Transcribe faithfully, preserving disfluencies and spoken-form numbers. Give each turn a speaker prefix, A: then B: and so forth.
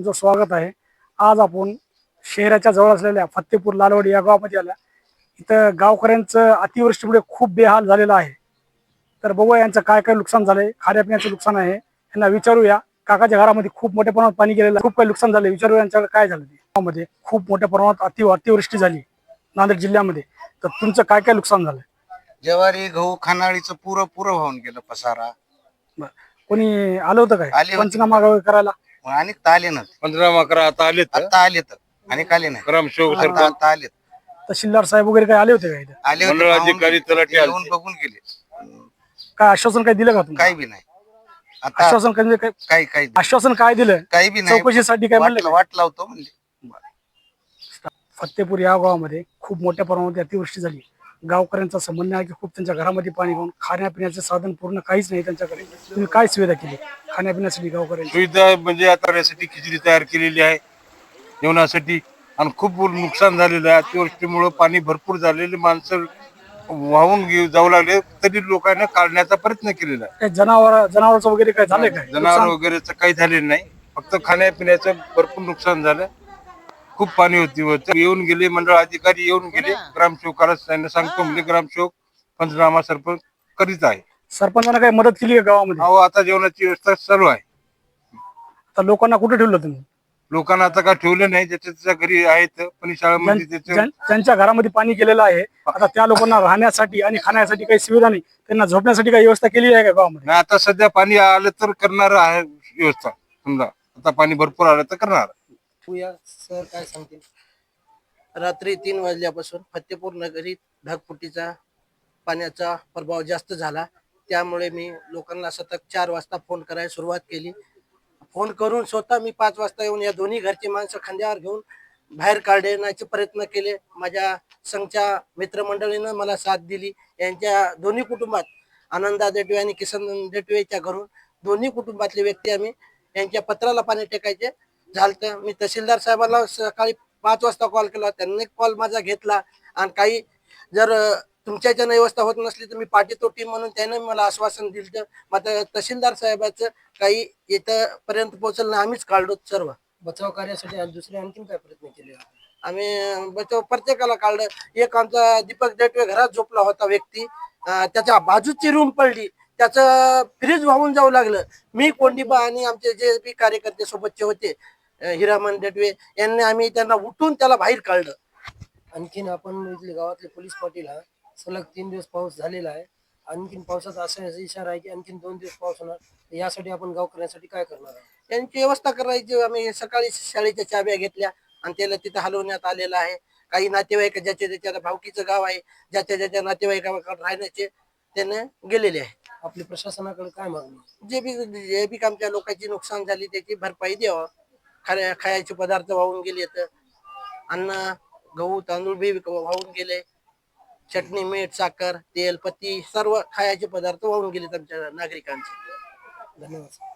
A: तुमचं स्वागत आहे। आज आपण शहराच्या जवळ असलेल्या फत्तेपूर लालवाडी या गावामध्ये आल्या। इथं गावकऱ्यांचं अतिवृष्टीमुळे खूप बेहाल झालेला आहे। तर बघूया यांचं काय काय नुकसान झालंय, खाण्यापिण्याचं नुकसान आहे। यांना विचारूया। काकाच्या घरामध्ये खूप मोठ्या प्रमाणात पाणी गेलेलं आहे, खूप काही नुकसान झाले। विचारूया यांच्याकडे काय झालं ते। गावामध्ये खूप मोठ्या प्रमाणात अति अतिवृष्टी झाली नांदेड जिल्ह्यामध्ये। तर तुमचं काय काय नुकसान झालं?
B: ज्वारी गहू खानाळीचं पुरं पुरं वाहून गेलं पसारा।
A: कोणी आलं होतं काय
B: आले होते.
A: पंचनामा करायला?
B: आणि आले ना
C: पंधरा अकरा आता आले
B: आता आले तर आणि आले नाही
C: ग्रामसेवक
B: आता
C: सरपंच
B: आता आले
A: तहसीलदार साहेब वगैरे काय आले होते का इथं?
B: आले होते,
C: मंडळ
B: पाहून
C: अधिकारी,
B: गेले.
C: तलाठी
B: येऊन
C: आलते.
B: बघून गेले।
A: काय आश्वासन काय दिलं का तुम्ही?
B: काही बी नाही आता
A: आश्वासन काय काय
B: काही काही
A: आश्वासन काय दिलं?
B: काही बी नाही
A: चौकशीसाठी काय म्हणलं
B: वाट
A: का?
B: वाट लावतो म्हणजे।
A: फत्तेपूर या गावामध्ये खूप मोठ्या प्रमाणात अतिवृष्टी झाली। गावकऱ्यांचा संबंध आहे की खूप त्यांच्या घरामध्ये पाणी घेऊन खाण्यापिण्याचे साधन पूर्ण काहीच नाही त्यांच्याकडे। तुम्ही काय सुविधा केली खाण्यापिण्यासाठी गावकऱ्यांची?
C: सुविधा म्हणजे आता यासाठी खिचडी तयार केलेली आहे जेवणासाठी। आणि खूप नुकसान झालेलं आहे अतिवृष्टीमुळे। पाणी भरपूर झालेले, माणसं वाहून घेऊ जाऊ लागले, तरी लोकांना काढण्याचा प्रयत्न केलेला आहे।
A: काय जनावर जनावरचं वगैरे काय झालंय काय
C: जनावर
A: नुकसान?
C: वगैरेच काही झालेलं नाही, फक्त खाण्यापिण्याचं भरपूर नुकसान झालं। खूप पाणी होती होतं। येऊन गेले मंडळ अधिकारी, येऊन गेले ग्रामसेवकाला त्यांना सांगतो म्हणजे ग्रामसेवक पंचनामा सरपंच करीत आहे।
A: सरपंचानं काही मदत केली का गावामध्ये?
C: अहो आता जेवणाची व्यवस्था चालू आहे।
A: तर लोकांना कुठे ठेवलं तुम्ही?
C: लोकांना आता काय ठेवलं नाही, ज्याच्या त्याच्या घरी आहेत, पण शाळेमध्ये त्याचं
A: ज्यां- ज्यांच्या घरामध्ये पाणी गेलेलं आहे, आता त्या लोकांना राहण्यासाठी आणि खाण्यासाठी काही सुविधा नाही, त्यांना झोपण्यासाठी काही व्यवस्था केली आहे का गावामध्ये?
C: नाही। आता सध्या पाणी आलं तर करणार आहे व्यवस्था, समजा आता पाणी भरपूर आलं तर करणार।
D: या सर काय सांगतील? रात्री तीन वाजल्यापासून फत्तेपूर नगरीत ढगफुटीचा पाण्याचा प्रभाव जास्त झाला। त्यामुळे मी लोकांना सतत चार वाजता फोन करायला सुरुवात केली। फोन करून स्वतः मी पाच वाजता येऊन या दोन्ही घरची माणसं खांद्यावर घेऊन बाहेर काढण्याचे प्रयत्न केले। माझ्या संघच्या मित्रमंडळीनं मला साथ दिली। यांच्या दोन्ही कुटुंबात आनंदा देटवे आणि किसन देटवेच्या घरून दोन्ही कुटुंबातले व्यक्ती आम्ही यांच्या पत्राला पाणी टेकायचे झालं। मी तहसीलदार साहेबांना सकाळी पाच वाजता कॉल केला, त्यांनी कॉल माझा घेतला। आणि काही जर तुमच्या याच्यानं व्यवस्था होत नसली तर मी पाठी तो टीम म्हणून त्याने मला आश्वासन दिलं। मात्र तहसीलदार साहेबांचं काही इथं पर्यंत पोहोचलं नाही, आम्हीच काढलो सर्व बचाव कार्यासाठी। आणि दुसरे आणखीन काय प्रयत्न केले? आम्ही बचाव प्रत्येकाला काढलं। एक आमचा दीपक देटवे घरात झोपला होता व्यक्ती, त्याच्या बाजूची रूम पडली, त्याचं फ्रीज वाहून जाऊ लागलं। मी कोंडीबा आणि आमचे जे बी कार्यकर्ते सोबतचे होते हिरामन देटवे यांनी आम्ही त्यांना उठून त्याला बाहेर काढलं। आणखीन आपण इथले गावातले पोलीस पाटील हा सलग तीन दिवस पाऊस झालेला आहे। आणखीन पावसाचा असा इशारा आहे की आणखीन दोन दिवस पाऊस होणार। यासाठी आपण गावकऱ्यांसाठी काय करणार आहे? त्यांची व्यवस्था करायची। आम्ही सकाळी शाळेच्या चाव्या घेतल्या आणि त्याला तिथं हलवण्यात आलेलं आहे। काही नातेवाईक ज्याच्या त्याच्या भावकीचं गाव आहे, ज्याच्या ज्याच्या नातेवाईकाकडे राहण्याचे त्याने गेलेले आहे। आपली प्रशासनाकडे काय मागणी? जे बी जे बी आमच्या लोकांची नुकसान झाली त्याची भरपाई द्यावं। खाण्या खायचे पदार्थ वाहून गेले, तर अन्न गहू तांदूळ बी वाहून गेले, चटणी मीठ साखर तेल पत्ती सर्व खायचे पदार्थ वाहून गेले आमच्या नागरिकांचे। धन्यवाद।